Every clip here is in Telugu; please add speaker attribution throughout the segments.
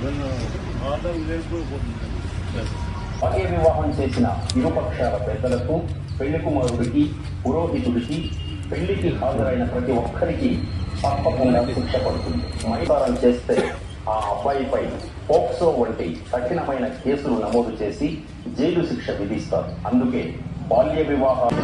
Speaker 1: ఒకే వివాహం చేసిన ఇరుపక్షాల పెద్దలకు, పెళ్లి కుమారుడికి, పురోహితుడికి, పెళ్లికి హాజరైన ప్రతి ఒక్కరికి తప్పకుండా శిక్ష పడుతుంది. మైదానం చేస్తే ఆ అబ్బాయిపై పోక్సో వంటి కఠినమైన కేసులు నమోదు చేసి జైలు శిక్ష విధిస్తారు. అందుకే బాల్య వివాహాలు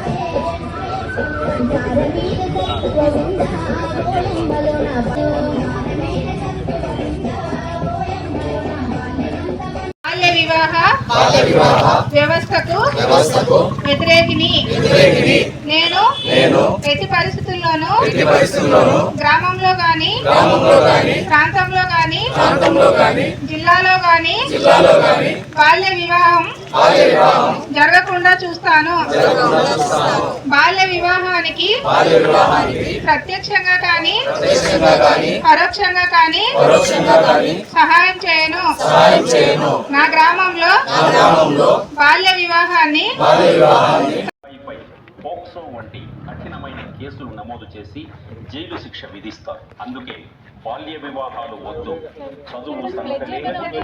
Speaker 2: వ్యవస్థకు వ్యతిరేకిని నేను ఎట్టి పరిస్థితుల్లోనూ గ్రామంలో గాని ప్రాంతంలో గాని జిల్లాలో గాని బాల్య వివాహం జరగకుండా చూస్తాను. బాల్య వివాహానికి ప్రత్యక్షంగా కానీ పరోక్షంగా కానీ సహాయం చేయను. నా గ్రామంలో బాల్య వివాహాన్ని
Speaker 1: పోక్సో వంటి కఠినమైన కేసులు నమోదు చేసి జైలు శిక్ష విధిస్తారు. అందుకే బాల్య వివాహాలు వద్దు, చదువు సంఖ్య